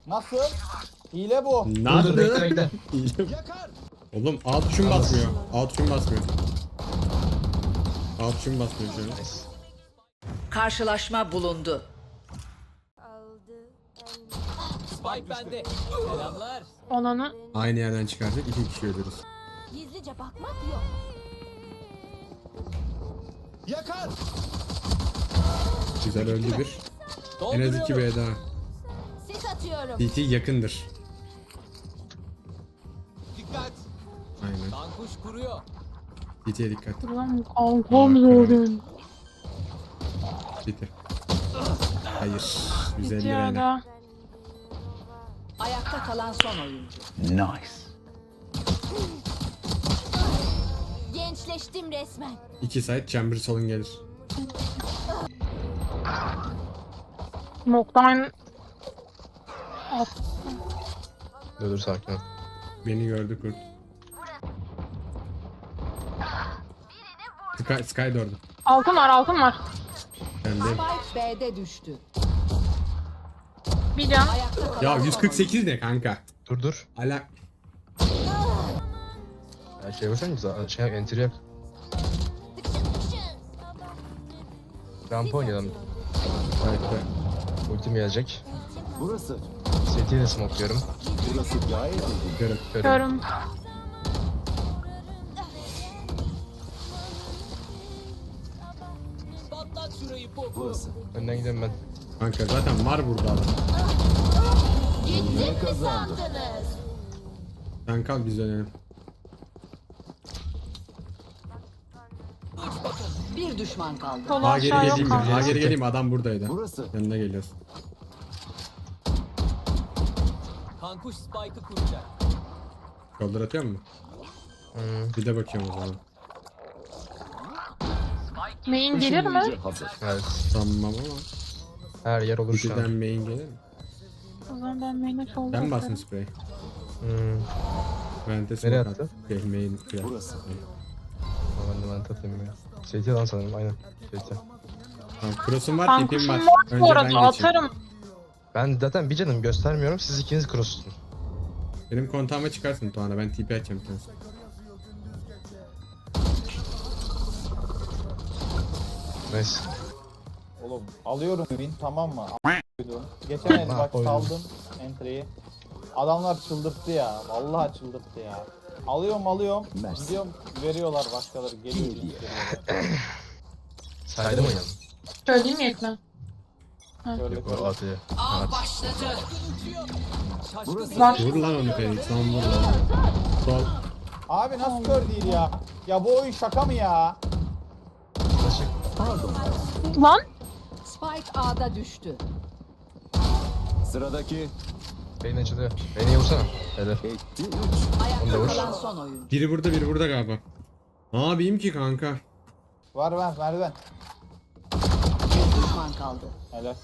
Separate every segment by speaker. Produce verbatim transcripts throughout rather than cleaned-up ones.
Speaker 1: Nasıl? Hile bu.
Speaker 2: Nasıl?
Speaker 3: Bekle bekle.
Speaker 1: Yakar.
Speaker 2: Oğlum A tuşum basmıyor. A tuşum basmıyor. A tuşum basmıyor şu an.
Speaker 3: Nice.
Speaker 4: Karşılaşma bulundu.
Speaker 5: Spike bende. Selamlar.
Speaker 6: Olanı
Speaker 2: Aynı yerden çıkarsak iki kişi ölürüz.
Speaker 7: Gizlice bakmak yok.
Speaker 1: Yakar.
Speaker 2: Güzel öldü bir. En az iki B daha.
Speaker 7: Sis atıyorum.
Speaker 2: T T yakındır.
Speaker 1: Dikkat.
Speaker 2: Aynen.
Speaker 5: Kankuş kuruyor.
Speaker 2: T T'ye dikkat.
Speaker 6: lan kalkam zorun.
Speaker 2: T T. Hayır. yüz elli
Speaker 6: Bitiyor
Speaker 2: R'ne.
Speaker 6: da.
Speaker 4: Ayakta kalan son oyuncu.
Speaker 7: Gençleştim resmen.
Speaker 2: İki side chamber solun gelir.
Speaker 6: Noktan at.
Speaker 3: Dur dur sakin ol.
Speaker 2: Beni gördü kurt. Sky, Sky de orada.
Speaker 6: Altın var altın var.
Speaker 2: Ben de.
Speaker 4: Spike B'de düştü.
Speaker 6: Bir can.
Speaker 4: Ayakta kalan
Speaker 2: Ya
Speaker 4: son
Speaker 2: yüz kırk sekiz ne kanka?
Speaker 3: Dur dur.
Speaker 2: Ala.
Speaker 3: Ya şey yapırsan güzel. Şey enter yak. Rampa oynayalım.
Speaker 2: Ayakta.
Speaker 3: Ultim gelecek.
Speaker 1: Burası.
Speaker 3: City'yi de smoke'luyorum.
Speaker 1: Burası gayet iyi.
Speaker 2: Görüm.
Speaker 3: Körüm.
Speaker 6: Görüm.
Speaker 5: Patlat şurayı popu.
Speaker 1: Burası.
Speaker 3: Önden gidiyorum ben.
Speaker 2: Kanka zaten var burada adam.
Speaker 7: Gittim mi sandınız?
Speaker 2: Sen kal biz dönelim.
Speaker 4: bir düşman kaldı.
Speaker 6: Sol
Speaker 2: A geri
Speaker 6: aşağı
Speaker 2: geleyim
Speaker 6: yok
Speaker 2: mi?
Speaker 6: kanka.
Speaker 2: A geri geleyim mi? Adam buradaydı.
Speaker 1: Burası.
Speaker 2: Yanına geliyoruz.
Speaker 5: Kankuş Spike'ı kuracak.
Speaker 2: Koldur atıyor mu?
Speaker 3: Hmm.
Speaker 2: Bir de bakıyorum o zaman.
Speaker 6: Main gelir mi?
Speaker 1: Hazır.
Speaker 3: Evet.
Speaker 2: Sanmam ama.
Speaker 3: Her yer olur şu
Speaker 2: İkiden
Speaker 3: an.
Speaker 2: main gelir mi?
Speaker 6: O zaman ben main'e sol
Speaker 2: Sen
Speaker 6: basarım.
Speaker 2: basın sprey.
Speaker 3: Hmm.
Speaker 2: Vente
Speaker 3: Nereye
Speaker 2: smoke
Speaker 3: attı?
Speaker 2: at. Şey main kıyar.
Speaker 1: Burası.
Speaker 3: Ben de ben tatayım ya. City lan sanırım aynen. City.
Speaker 2: Tamam cross'um var,
Speaker 6: Kankuşum
Speaker 2: tipim var.
Speaker 6: var bu
Speaker 2: Önce ben
Speaker 6: arada
Speaker 2: geçeyim.
Speaker 6: atarım.
Speaker 3: Ben zaten bir canım göstermiyorum. Siz ikiniz cross tutun.
Speaker 2: Benim kontağıma çıkarsın Tuğan'a. Ben T P açacağım bir tanesi.
Speaker 3: Nice.
Speaker 1: Oğlum alıyorum win tamam mı? A***ydum. Geçen el bak
Speaker 3: Oyun.
Speaker 1: saldım entry'yi. Adamlar çıldırttı ya. Vallahi çıldırttı ya. Alıyorum alıyorum. Gidiyorum veriyorlar başkaları geliyor. geliyor.
Speaker 3: Saydım oynayalım.
Speaker 6: Söyleyeyim mi ekran?
Speaker 1: Gördük.
Speaker 3: Yok o atıyor.
Speaker 4: Av başladı.
Speaker 5: Şaşkın
Speaker 6: Var.
Speaker 2: Vur lan onu Felix. Lan vur lan. Sol.
Speaker 1: Abi nasıl kör değil ya? Ya bu oyun şaka mı ya?
Speaker 6: Lan
Speaker 4: Spike A'da düştü.
Speaker 8: Sıradaki
Speaker 3: Beni açılıyor. Beni vursana. Helal.
Speaker 8: etti üç.
Speaker 3: Onu da
Speaker 4: Ayakta
Speaker 3: vur.
Speaker 4: kalan son oyuncu.
Speaker 2: Biri burada biri burada galiba. Ne yapayım ki kanka?
Speaker 1: Var ben merdiven.
Speaker 4: Bir düşman kaldı.
Speaker 1: Helal.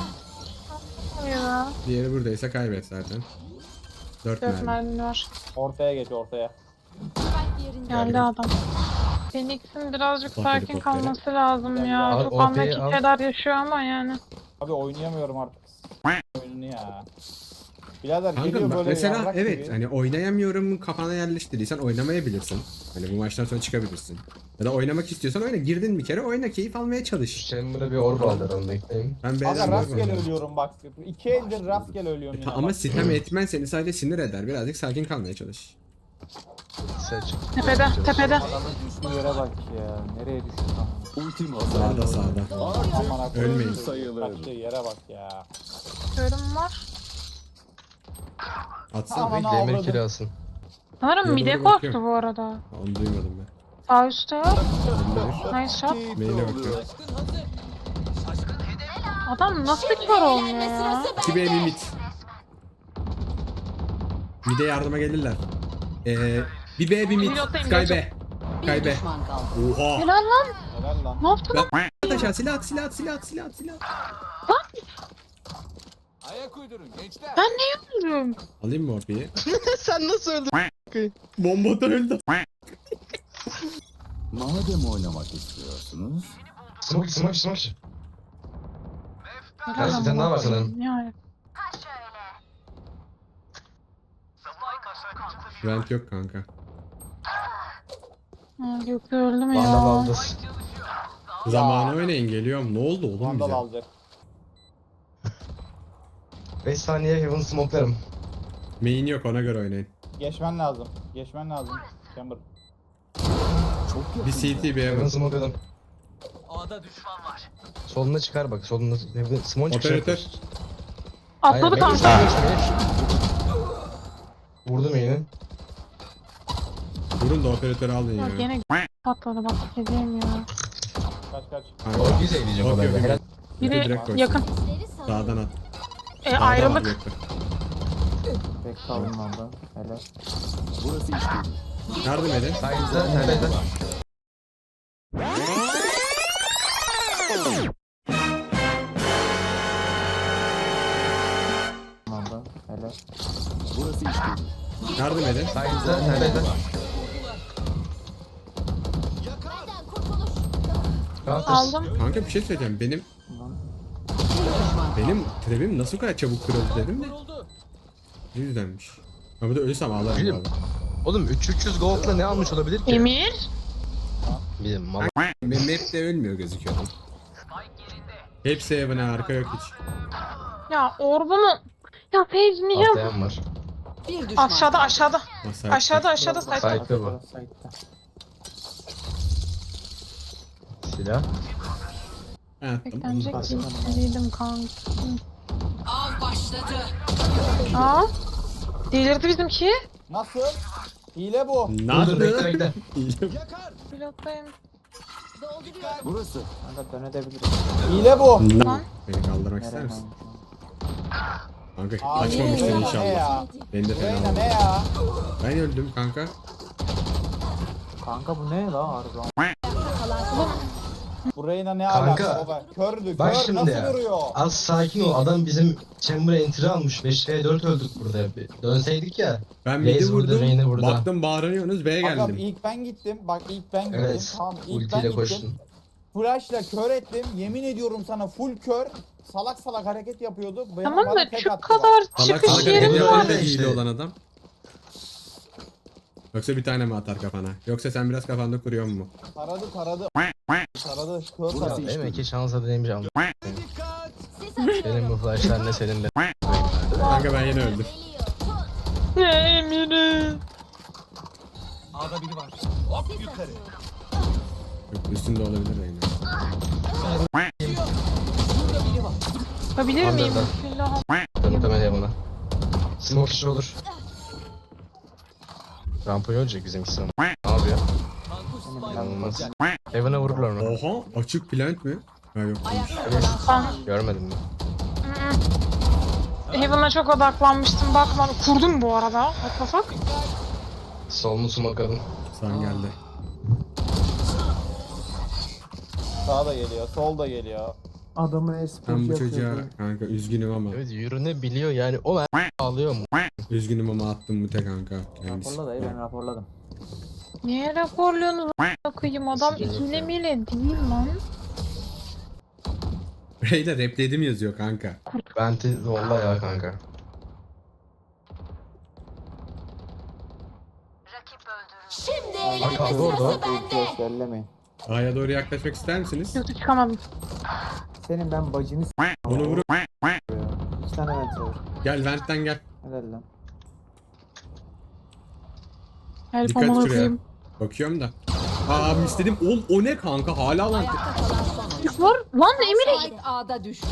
Speaker 6: ya.
Speaker 2: Diğeri buradaysa kaybet zaten. Dört
Speaker 6: Dört
Speaker 2: mermi.
Speaker 6: mermi var.
Speaker 1: Ortaya geç ortaya.
Speaker 7: Spike yerinde.
Speaker 6: Geldi adam. Phoenix'in birazcık
Speaker 2: Bak
Speaker 6: sakin
Speaker 2: helikoptere.
Speaker 6: kalması lazım ya.
Speaker 3: Al,
Speaker 6: Çok
Speaker 3: ortaya
Speaker 6: anlaki
Speaker 3: al.
Speaker 6: şeyler yaşıyor ama yani.
Speaker 1: Abi oynayamıyorum artık. Oyununu ya. Birader
Speaker 2: Kanka
Speaker 1: geliyor
Speaker 2: bak
Speaker 1: böyle
Speaker 2: mesela
Speaker 1: yarrak
Speaker 2: evet
Speaker 1: gibi.
Speaker 2: hani oynayamıyorum kafana yerleştirdiysen oynamayabilirsin. Hani bu maçtan sonra çıkabilirsin. Ya da oynamak istiyorsan oyna. Girdin bir kere oyna, keyif almaya çalış.
Speaker 3: Chamber'da bir orb aldı aranında ekleyin.
Speaker 2: Ben
Speaker 1: Aga
Speaker 2: beğendim.
Speaker 1: rastgele ölüyorum bak. İki eldir rastgele ölüyorum yine.
Speaker 2: Ama
Speaker 1: bak.
Speaker 2: sitem etmen seni sadece sinir eder. Birazcık sakin kalmaya çalış.
Speaker 3: Seç.
Speaker 6: Tepede, tepede.
Speaker 1: Adamın düştüğü yere bak ya. Nereye düştü tam?
Speaker 8: Ultim hazır.
Speaker 2: Sağda sağda.
Speaker 1: Aman
Speaker 2: Ölmeyin.
Speaker 1: Ölmeyin.
Speaker 8: Sayılır.
Speaker 1: Kaçtığı yere bak ya.
Speaker 6: Görüm var.
Speaker 2: Atsana.
Speaker 1: Aman
Speaker 3: Demir
Speaker 1: avradım.
Speaker 3: kiri alsın.
Speaker 6: Sanırım
Speaker 2: Ya
Speaker 6: mide
Speaker 2: doğru
Speaker 6: korktu
Speaker 2: bakıyorum.
Speaker 6: bu arada.
Speaker 2: Onu duymadım ben.
Speaker 6: Sağ üstte yok.
Speaker 2: Bende bir.
Speaker 6: Nice shot.
Speaker 2: Maile bakıyorum.
Speaker 6: Adam nasıl kör olmuyor
Speaker 7: Eğlenme
Speaker 6: ya?
Speaker 7: sırası
Speaker 2: iki B bir mid. Mid'e yardıma gelirler. Ee, bir B bir mid.
Speaker 6: Pilotayım,
Speaker 2: Sky
Speaker 6: pilotum.
Speaker 2: B.
Speaker 4: Bir
Speaker 2: Sky B.
Speaker 4: düşman kaldı.
Speaker 2: Oha.
Speaker 6: Helal lan.
Speaker 1: Helal lan.
Speaker 6: Ne yaptın lan?
Speaker 2: At aşağı silah at silah at silah at silah at silah at.
Speaker 5: Ayak uydurun gençler.
Speaker 6: Ben ne yapıyorum?
Speaker 2: Alayım mı orpiyi?
Speaker 3: Sen nasıl öldün?
Speaker 2: Bomba da öldü.
Speaker 8: Madem oynamak istiyorsunuz,
Speaker 3: Smoke smoke smoke.
Speaker 6: Helal
Speaker 3: Gerçi
Speaker 6: lan
Speaker 3: bir tane daha var
Speaker 6: baba.
Speaker 3: sanırım.
Speaker 6: Yani.
Speaker 2: Vent yok kanka.
Speaker 6: Ha, Gökte öldüm ya.
Speaker 3: Vandal aldı.
Speaker 2: Zamanı oynayın geliyorum. Ne oldu oğlum
Speaker 1: Vandal
Speaker 2: bize?
Speaker 1: alacak.
Speaker 3: beş saniye Heaven smoke'larım.
Speaker 2: Main yok ona göre oynayın.
Speaker 1: Geçmen lazım. Geçmen lazım. Chamber.
Speaker 2: Bir C T bir
Speaker 3: Heaven
Speaker 2: Heaven.
Speaker 3: smoke'ladım.
Speaker 5: A'da düşman var.
Speaker 3: Soluna çıkar bak. Solunda Heaven smoke çıkacak.
Speaker 2: Operatör.
Speaker 6: Atladı
Speaker 3: Aynen,
Speaker 6: kanka.
Speaker 3: bekle, bekle. Vurdum yine.
Speaker 2: Vurun da operatörü alın
Speaker 6: Ya
Speaker 2: ya.
Speaker 6: gene patladı bak dediğim ya.
Speaker 1: Kaç kaç.
Speaker 2: Kanka.
Speaker 3: O güzel diyecek
Speaker 2: Yok,
Speaker 3: o
Speaker 2: yok,
Speaker 3: da.
Speaker 2: yok.
Speaker 3: Helal.
Speaker 2: Biri
Speaker 6: Biri
Speaker 2: direkt koysun.
Speaker 6: yakın.
Speaker 7: Sesleri salıyorum.
Speaker 2: Sağdan at.
Speaker 6: E,
Speaker 2: Sağdan at
Speaker 6: ayrılık.
Speaker 2: Gökte.
Speaker 1: Pek kalın orada. Helal.
Speaker 8: Burası iş değil.
Speaker 2: Yardım edin.
Speaker 3: Saygıda nerede?
Speaker 1: Orada. Helal.
Speaker 8: Burası iş değil.
Speaker 2: Yardım edin.
Speaker 3: Saygıda nerede?
Speaker 7: Benden kurtuluş.
Speaker 3: Counter.
Speaker 6: Aldım.
Speaker 2: Kanka bir şey söyleyeceğim. Benim benim trebim nasıl bu kadar çabuk kırıldı dedim de.
Speaker 5: Vuruldu.
Speaker 2: Bu yüzdenmiş. Ama da ölürsem ağlarım
Speaker 3: Bilim.
Speaker 2: bu arada.
Speaker 3: Oğlum üç üç yüz gold'la ne almış olabilir ki?
Speaker 6: Emir.
Speaker 3: Bilim mal.
Speaker 2: Benim map'te ölmüyor gözüküyor. Hepsi evine arka yok hiç.
Speaker 6: Ya orbumu. Ya Feyz niye?
Speaker 3: Atlayan var.
Speaker 4: Bir düşman
Speaker 6: Aşağıda
Speaker 4: kaldı.
Speaker 6: aşağıda.
Speaker 2: Masaya.
Speaker 6: Aşağıda aşağıda sayfa.
Speaker 3: Saygıda bu. Silah.
Speaker 2: Ben attım.
Speaker 6: Beklenecek değildim kanka.
Speaker 4: Av başladı.
Speaker 6: Aa. Delirdi bizimki.
Speaker 1: Nasıl? Hile bu.
Speaker 3: Dur dur
Speaker 2: Nasıl?
Speaker 3: bekle bekle.
Speaker 6: Pilottayım.
Speaker 7: Dolduruyorum.
Speaker 8: Burası.
Speaker 1: Hile bu.
Speaker 6: Lan.
Speaker 2: Beni kaldırmak ister misin? Kanka
Speaker 1: Abi,
Speaker 2: açmamıştır
Speaker 1: Reyna ne
Speaker 2: inşallah.
Speaker 1: ya?
Speaker 2: Beni de
Speaker 1: Reyna
Speaker 2: fena
Speaker 1: ne
Speaker 2: oldu.
Speaker 1: ya?
Speaker 2: Ben öldüm kanka.
Speaker 1: Bu Reyna ne
Speaker 3: Kanka,
Speaker 1: alaka baba? Kördü.
Speaker 3: Bak
Speaker 1: Kör
Speaker 3: şimdi
Speaker 1: nasıl
Speaker 3: ya.
Speaker 1: vuruyor?
Speaker 3: Az sakin ol. Adam bizim chamber'a entry almış. beş ve dört öldük burada. Bir Dönseydik ya.
Speaker 2: Ben
Speaker 3: Reis
Speaker 2: midi
Speaker 3: burada,
Speaker 2: vurdum.
Speaker 3: Reyna burada.
Speaker 2: Baktım bağırıyorsunuz B'ye
Speaker 1: Bakalım
Speaker 2: geldim.
Speaker 1: ilk ben gittim. Bak ilk ben gittim.
Speaker 3: Evet.
Speaker 1: Tamam ilk ben
Speaker 3: Ultiyle
Speaker 1: gittim.
Speaker 3: koştun.
Speaker 1: Flash'la kör ettim. Yemin ediyorum sana full kör. Salak salak hareket yapıyordu. Bana-
Speaker 6: Tamam
Speaker 1: bana
Speaker 6: da
Speaker 1: tek
Speaker 6: şu
Speaker 1: attılar.
Speaker 6: kadar
Speaker 2: Salak
Speaker 6: çıkış
Speaker 2: salak
Speaker 3: yerim
Speaker 2: hareket
Speaker 6: yerim
Speaker 3: var.
Speaker 2: yapan da
Speaker 6: var.
Speaker 3: işte.
Speaker 2: hile olan adam. Yoksa bir tane mi atar kafana? Yoksa sen biraz kafanda kuruyor mu?
Speaker 1: Taradı taradı. Taradı. Kör
Speaker 8: Burası
Speaker 1: taradı.
Speaker 8: iş
Speaker 3: Demek ki şansa deneymiş ama.
Speaker 5: Dikkat.
Speaker 7: Sis atıyorum.
Speaker 3: Benim bu flashlar ne senin de.
Speaker 2: Kanka ben yine öldüm.
Speaker 7: Geliyor. Tut.
Speaker 6: Ne Emir'i?
Speaker 5: A'da biri var. Hop
Speaker 7: Sis
Speaker 5: yukarı.
Speaker 7: atıyorum.
Speaker 2: Yok, üstünde olabilir Reyna.
Speaker 5: Burada biri var.
Speaker 6: Yapabilir miyim?
Speaker 3: Under'dan.
Speaker 6: Bismillah.
Speaker 3: Muhtemelen buna. Smoke işi olur. Rampa ölecek bizimkisi. Ne yapıyor?
Speaker 5: Kankuş Spike
Speaker 3: İnanılmaz.
Speaker 5: kuracak.
Speaker 3: Heaven'a vururlar mı?
Speaker 2: Oha açık plant mi? Ha yok.
Speaker 4: Ayakta kalan son.
Speaker 3: Görmedim mi?
Speaker 6: Heaven'a çok odaklanmıştım bakmadım. Kurdum bu arada. Atlasak.
Speaker 3: Solunu smoke'ladım.
Speaker 2: San geldi.
Speaker 1: Sağ da geliyor. Sol da geliyor.
Speaker 2: Ben bu çocuğa kanka üzgünüm ama.
Speaker 3: Evet yürüne biliyor yani. O ben ağlıyor mu?
Speaker 2: Üzgünüm ama attım bu tek kanka. Kendisi.
Speaker 6: Niye raporluyorsunuz? Bakayım adam
Speaker 3: Sıcak
Speaker 6: ikili
Speaker 3: ya.
Speaker 6: mile değil lan.
Speaker 2: Reyna repledim yazıyor kanka.
Speaker 3: Venti zolla ya kanka.
Speaker 7: Şimdi
Speaker 3: Bak
Speaker 7: eğlenme
Speaker 3: kaldı orada.
Speaker 7: sırası bende.
Speaker 1: Bellemeyin.
Speaker 2: A'ya doğru yaklaşmak ister misiniz?
Speaker 6: Yoksa çıkamadım.
Speaker 1: Senin ben bacını s***.
Speaker 2: Onu vurup
Speaker 1: İki tane vent var.
Speaker 2: gel ventten gel.
Speaker 1: Helal lan.
Speaker 6: Help
Speaker 2: Dikkat
Speaker 6: amına
Speaker 2: şuraya.
Speaker 6: koyayım.
Speaker 2: Bakıyorum da. Aa istedim. Oğlum o ne kanka? Hala lan.
Speaker 4: Ayakta kalan son oyuncu.
Speaker 6: Var lan Emir'e.
Speaker 4: Spike A'da düştü.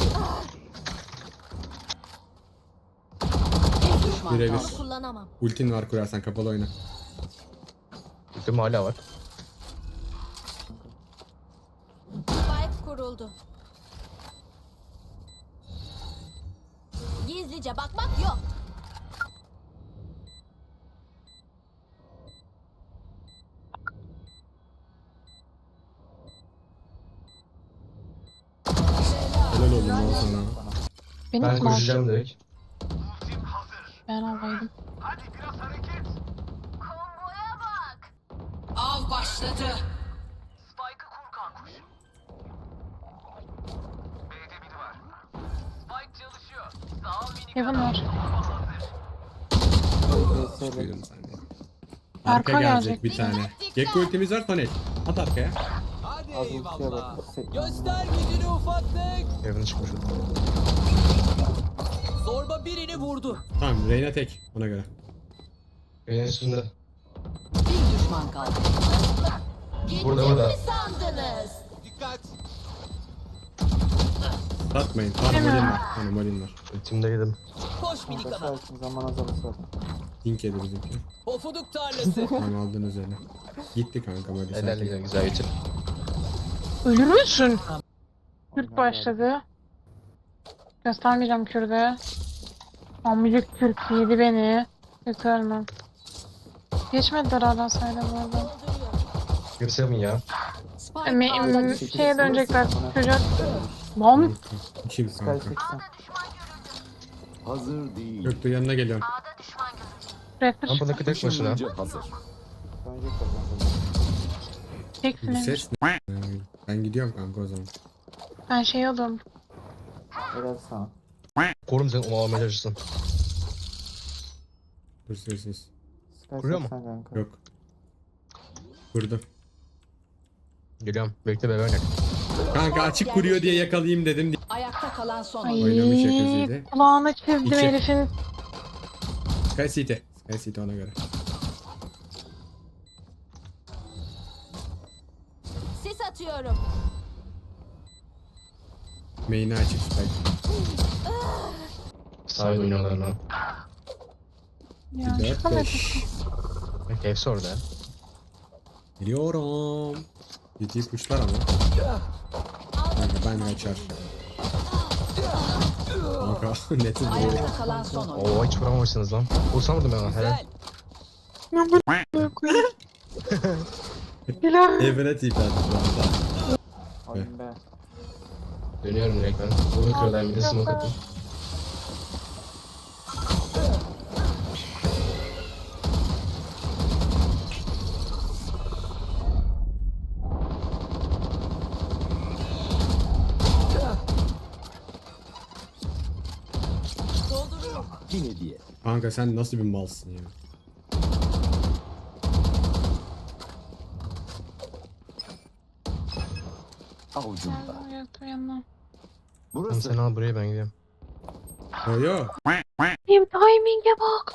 Speaker 4: Bir düşman
Speaker 2: Birebir.
Speaker 4: kaldı.
Speaker 7: Kullanamam.
Speaker 2: Ultin var kurarsan kapalı oyna.
Speaker 3: Ultim hala var.
Speaker 7: Spike kuruldu. Gizlice bakmak yok.
Speaker 2: Helal olsun lan sana.
Speaker 6: Benim
Speaker 3: Ben
Speaker 6: kim aldı?
Speaker 3: koşacağım direkt.
Speaker 6: Ben alaydım.
Speaker 4: Av başladı.
Speaker 5: Spike'ı kur kankuş. B'de biri var. Spike çalışıyor. Sağ ol minik
Speaker 6: Heaven var.
Speaker 2: Çıkıyorum saniye. Arka
Speaker 6: Arka
Speaker 2: gelecek
Speaker 6: gelecek.
Speaker 2: bir tane. Gekko ultimiz var Tonel. At arkaya.
Speaker 5: Hadi
Speaker 1: Az ultiye
Speaker 5: eyvallah.
Speaker 1: bak. Se-
Speaker 5: Göster gücünü ufaklık.
Speaker 3: Evine çıkmış.
Speaker 5: Zorba birini vurdu.
Speaker 2: Tamam Reyna tek ona göre.
Speaker 3: Evin üstünde.
Speaker 4: Bir düşman kaldı.
Speaker 3: Burada burada.
Speaker 7: Ne sandınız?
Speaker 5: Dikkat.
Speaker 2: Satmayın. Tamam molin var. Tamam molin var.
Speaker 3: Ultimdeydim.
Speaker 5: Koş minik
Speaker 1: Kanka
Speaker 5: adam.
Speaker 1: sakin zaman azalırsa.
Speaker 2: Dink yedi bizimki.
Speaker 5: Pofuduk tarlası.
Speaker 2: Tamam aldın üzerine. Gitti kanka molin.
Speaker 3: Helal
Speaker 2: sakin.
Speaker 3: güzel güzel geçin.
Speaker 6: Ölür müsün? Kürt başladı. Göstermeyeceğim Kürt'e. Amcık Kürt yedi beni. Hiç ölmem. Geçmediler hala sayda bu arada.
Speaker 3: Göstereyim mi ya?
Speaker 4: Spike
Speaker 6: Em-
Speaker 4: A'da
Speaker 6: em-
Speaker 4: düştü.
Speaker 6: şeye dönecekler. Çocuk. Lan.
Speaker 2: Kim
Speaker 1: Sky
Speaker 2: kanka?
Speaker 1: seksen.
Speaker 8: Hazır değil.
Speaker 2: Göktuğ yanına geliyorum.
Speaker 6: Rapper.
Speaker 3: Rampa'daki tek başına.
Speaker 8: Işınlayıcı hazır.
Speaker 1: Dönecek oradan.
Speaker 2: Bir
Speaker 6: Teksin.
Speaker 2: ses ne? Ben gidiyorum kanka o zaman.
Speaker 6: Ben şey oldum.
Speaker 1: Helal sana.
Speaker 3: Korum sen onu almaya çalışsın.
Speaker 2: Dur sessiz.
Speaker 1: Sky
Speaker 3: Kuruyor mu?
Speaker 1: seksen kanka.
Speaker 2: Yok. Kurdu.
Speaker 3: Geliyorum. Bekle bebe oynak.
Speaker 2: Kanka açık kuruyor diye yakalayayım dedim.
Speaker 4: Ayakta kalan son
Speaker 6: Ay,
Speaker 4: oyuncu.
Speaker 2: Oynamış yakasıydı.
Speaker 6: kulağına çizdim
Speaker 2: İki.
Speaker 6: herifin.
Speaker 2: Sky City. Sky City ona göre.
Speaker 7: Sis atıyorum.
Speaker 2: Main'i açık Sky.
Speaker 3: Sahil oynuyorlar lan.
Speaker 6: Ya
Speaker 2: dört
Speaker 6: çıkamadım.
Speaker 2: beş.
Speaker 3: Bak hepsi orada.
Speaker 2: Geliyorum. Ciddi kuşlar ama. Kanka ben kaçar. Kanka netin böyle.
Speaker 4: Ayakta kalan son oyuncu.
Speaker 3: Oo hiç vuramamışsınız lan. Vursamadım ben ona helal.
Speaker 5: Güzel.
Speaker 6: Ben böyle koyayım. Bilal.
Speaker 2: Evine tip attı şu anda.
Speaker 1: Oyun be.
Speaker 3: Dönüyorum direkt ben. Bunu kırılan bir de smoke atayım.
Speaker 8: Yine diye.
Speaker 2: Kanka sen nasıl bir malsın ya.
Speaker 8: Avucumda.
Speaker 6: Ayakta yanına.
Speaker 3: Tamam
Speaker 8: Burası.
Speaker 3: sen al buraya ben gidiyorum.
Speaker 2: Yo yo.
Speaker 6: Benim timing'e bak.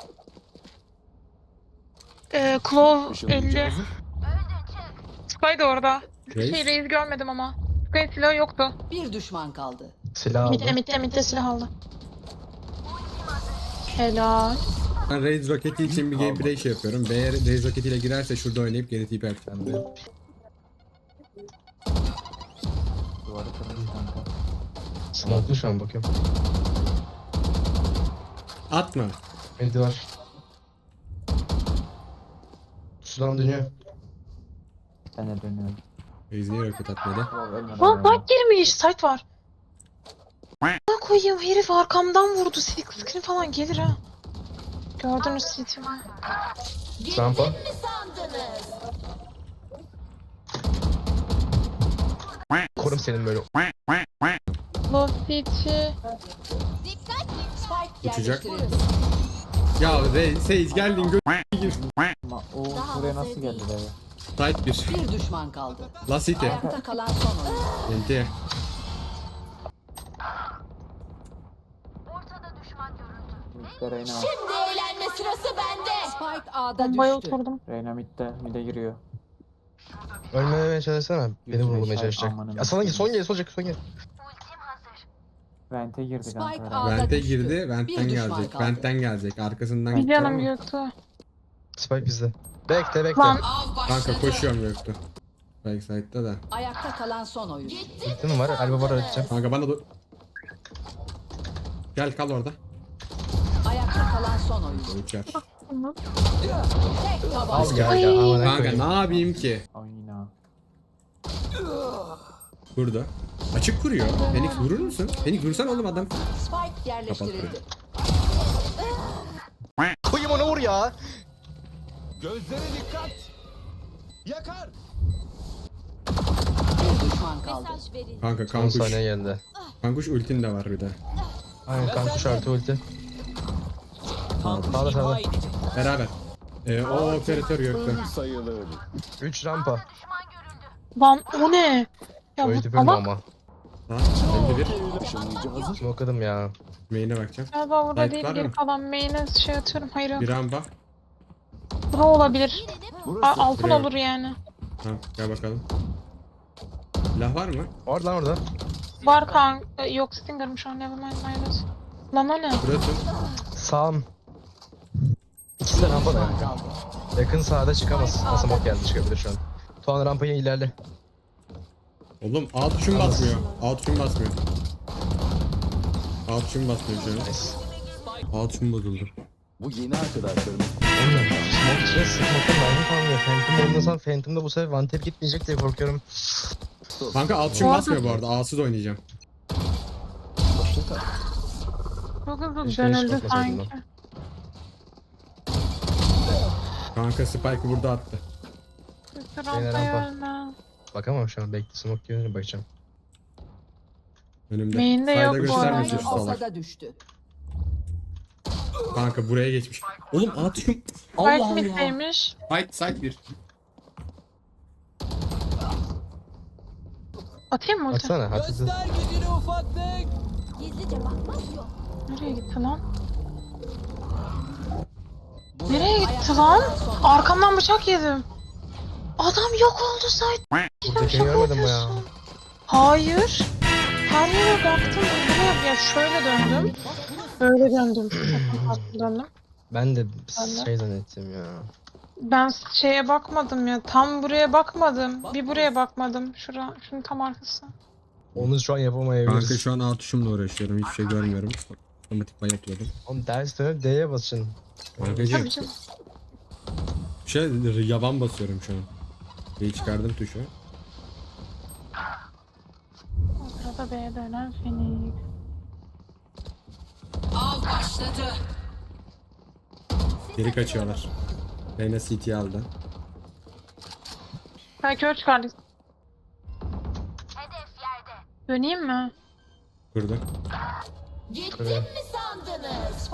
Speaker 6: Ee, Claw
Speaker 8: Işınlayıcı
Speaker 6: elli.
Speaker 8: hazır.
Speaker 6: Sky da orada.
Speaker 2: Reis.
Speaker 6: Şey Reis görmedim ama. Sky'ın silahı yoktu.
Speaker 4: Bir düşman kaldı.
Speaker 3: Silah
Speaker 6: Mitte
Speaker 3: aldım.
Speaker 6: mitte mitte silah aldı. Helal.
Speaker 2: Ben Raze roketi için bir gameplay şey yapıyorum. Eğer Raze roketiyle girerse şurada oynayıp geri tip yapacağım.
Speaker 1: Duvarı kırmış kanka.
Speaker 3: Smoke'lu şu an bakıyorum.
Speaker 2: Atma.
Speaker 3: Medi var. Sudan dönüyor.
Speaker 1: Ben de dönüyorum.
Speaker 2: Raze niye roket atmadı?
Speaker 1: Ulan ölmeden
Speaker 6: Lan
Speaker 1: öyle.
Speaker 6: bak girmiş. Site var. Ne koyayım herif arkamdan vurdu. Silk screen falan gelir ha. Gördünüz site'imi.
Speaker 3: Rampa.
Speaker 7: Ne sandınız?
Speaker 3: Korum senin böyle.
Speaker 6: Love city.
Speaker 7: Dikkat!
Speaker 4: Spike
Speaker 2: Uçacak.
Speaker 4: yerleştirildi.
Speaker 2: Ya Raze Sage geldin gö... gir.
Speaker 1: Ama o buraya nasıl geldi be?
Speaker 2: Site bir.
Speaker 4: Bir düşman kaldı.
Speaker 2: La City.
Speaker 4: Ayakta kalan son oyuncu.
Speaker 2: Enti.
Speaker 1: Mid'de Reyna var.
Speaker 7: Şimdi eğlenme sırası bende.
Speaker 4: Spike A'da
Speaker 6: Bombaya
Speaker 4: düştü.
Speaker 6: oturdum.
Speaker 1: Reyna mid'de. Mid'e giriyor.
Speaker 3: Ölmemeye çalışsana. Beni
Speaker 1: Yüzüne
Speaker 3: vurmaya
Speaker 1: şahit
Speaker 3: çalışacak.
Speaker 1: almanın
Speaker 3: Ya sana gel son gel son gel son gel.
Speaker 1: Vent'e girdi
Speaker 4: Spike
Speaker 1: kanka.
Speaker 4: A'da
Speaker 1: Reyna.
Speaker 2: Vent'e
Speaker 4: düştü.
Speaker 2: girdi.
Speaker 4: Bir
Speaker 2: Vent'ten
Speaker 4: düşman
Speaker 2: gelecek.
Speaker 4: kaldı.
Speaker 2: Vent'ten gelecek. Arkasından
Speaker 6: Bir
Speaker 2: gitti
Speaker 6: canım
Speaker 2: ama.
Speaker 6: yoktu.
Speaker 3: Spike bizde. Bekle bekle.
Speaker 6: Lan
Speaker 4: Av
Speaker 2: Kanka
Speaker 4: başladı.
Speaker 2: koşuyorum yoktu. Backside'da da.
Speaker 4: Ayakta kalan son oyuncu.
Speaker 3: Gittin mi var? Elba var atacağım.
Speaker 2: Kanka bana dur. Gel kal orada.
Speaker 4: Ayakta kalan son oyuncu.
Speaker 2: Uçar.
Speaker 4: Tek
Speaker 3: Al
Speaker 4: tabanca.
Speaker 3: gel gel. Amına
Speaker 2: Kanka
Speaker 3: koyayım.
Speaker 2: ne yapayım ki?
Speaker 1: Oyna.
Speaker 2: Burada. Açık kuruyor. Phoenix vurur musun? Phoenix vursan oğlum adam.
Speaker 4: Spike yerleştirildi.
Speaker 3: Koyayım onu vur ya.
Speaker 5: Gözlere dikkat. Yakar.
Speaker 4: Bir düşman kaldı.
Speaker 7: Mesaj verin.
Speaker 2: Kanka
Speaker 3: on
Speaker 2: kankuş.
Speaker 3: saniye geldi.
Speaker 2: Kankuş ultin de var bir de.
Speaker 3: Aynen kankuş artı ulti.
Speaker 5: Kankuş
Speaker 3: sağda,
Speaker 5: imha
Speaker 3: sağda.
Speaker 5: edecek.
Speaker 2: Beraber. Ee, o operatör gökte.
Speaker 8: Sayılır.
Speaker 3: üç rampa.
Speaker 6: Lan o ne? Ya
Speaker 3: Öyle
Speaker 6: bu
Speaker 3: bölüm
Speaker 6: salak
Speaker 3: ama.
Speaker 2: Ha, elli bir.
Speaker 8: Işınlayıcı hazır.
Speaker 3: Smokladım ya.
Speaker 2: Main'e bakacağım.
Speaker 6: galiba burada
Speaker 2: Light
Speaker 6: değil,
Speaker 2: var
Speaker 6: geri
Speaker 2: mı?
Speaker 6: kalan main'e şey atıyorum. Hayır yok.
Speaker 2: Bir amba.
Speaker 6: Bura olabilir.
Speaker 8: Burası.
Speaker 6: A- altın
Speaker 2: Buraya.
Speaker 6: olur yani.
Speaker 2: Tamam gel bakalım. Silah var mı?
Speaker 3: Orada lan orada.
Speaker 6: Var kanka. Yok Stinger'mış o. Nevermind minus. Lan o ne?
Speaker 2: Burası.
Speaker 3: Sağım. İkisi de rampada kanka. Yakın sağda çıkamaz. Nasıl bok geldi çıkabilir şu an. Tuğan rampaya ilerle.
Speaker 2: Oğlum A tuşum basmıyor. A tuşum basmıyor. A tuşum basmıyor şu an.
Speaker 3: Nice.
Speaker 2: A tuşum bozuldu.
Speaker 8: Bu yeni arkadaşlarımız.
Speaker 3: Oğlum smoke içine smoke'un mermi kalmıyor. Phantom oynasam Phantom'da bu sefer one tap gitmeyecek diye korkuyorum.
Speaker 2: Kanka A tuşum basmıyor bu arada. A'sız oynayacağım.
Speaker 8: Hoşçakal.
Speaker 6: Çok hızlı
Speaker 3: Keşke hiç
Speaker 6: dönüldü
Speaker 3: bakmasaydım
Speaker 6: sanki.
Speaker 2: Kanka Spike'ı burada attı.
Speaker 6: Üstü
Speaker 3: rampa.
Speaker 6: rampaya ölme.
Speaker 3: Bakamam şu an. Bekle smoke görünce bakacağım.
Speaker 2: Önümde.
Speaker 6: Main'de
Speaker 2: Sayda
Speaker 6: yok bu
Speaker 2: göstermesin
Speaker 6: arada.
Speaker 2: şu salak.
Speaker 4: Ortada düştü.
Speaker 2: Kanka buraya geçmiş. Oğlum A tuşum.
Speaker 6: Spike
Speaker 2: Allah Allah.
Speaker 6: middeymiş.
Speaker 2: Side side bir.
Speaker 6: Atayım mı ulti?
Speaker 3: Baksana hafif.
Speaker 5: Göster gücünü ufaklık.
Speaker 7: Gizlice bakmak yok.
Speaker 6: Nereye gitti lan? Nereye gitti lan? Arkamdan bıçak yedim. Adam yok oldu site.
Speaker 3: Buradakini görmedin mi ya?
Speaker 6: Hayır. Her yere baktım. Buraya ya şöyle döndüm. Böyle döndüm. döndüm.
Speaker 3: Ben de
Speaker 6: Ben de.
Speaker 3: şey zannettim ya.
Speaker 6: Ben şeye bakmadım ya. Tam buraya bakmadım. Bir buraya bakmadım. Şura, şunun tam arkası.
Speaker 3: Onu şu an yapamayabiliriz.
Speaker 2: Kanka şu an A tuşumla uğraşıyorum. Hiçbir şey görmüyorum. Otomatikman yapıyordum.
Speaker 3: Oğlum ders dönüp D'ye basın.
Speaker 2: Kankacığım.
Speaker 6: Tabii canım.
Speaker 2: Şey yaban basıyorum şu an. Bir çıkardım tuşu.
Speaker 6: O sırada B'ye dönen Phoenix.
Speaker 4: Av başladı.
Speaker 2: Geri kaçıyorlar. Reyna C T aldı.
Speaker 6: Ha kör çıkardık. Döneyim mi?
Speaker 2: Kurdu.
Speaker 7: Gittim
Speaker 3: Öyle.
Speaker 7: mi sandınız?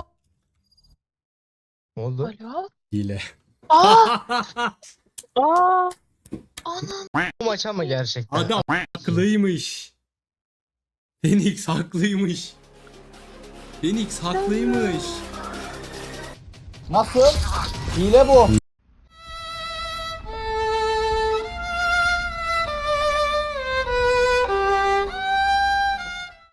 Speaker 3: Ne oldu?
Speaker 6: Alo?
Speaker 2: Hile.
Speaker 6: Aa! Aa! Anan.
Speaker 3: Bu maç ama gerçekten.
Speaker 2: Adam haklıymış. Phoenix haklıymış. Phoenix haklıymış.
Speaker 1: Nasıl? Hile bu.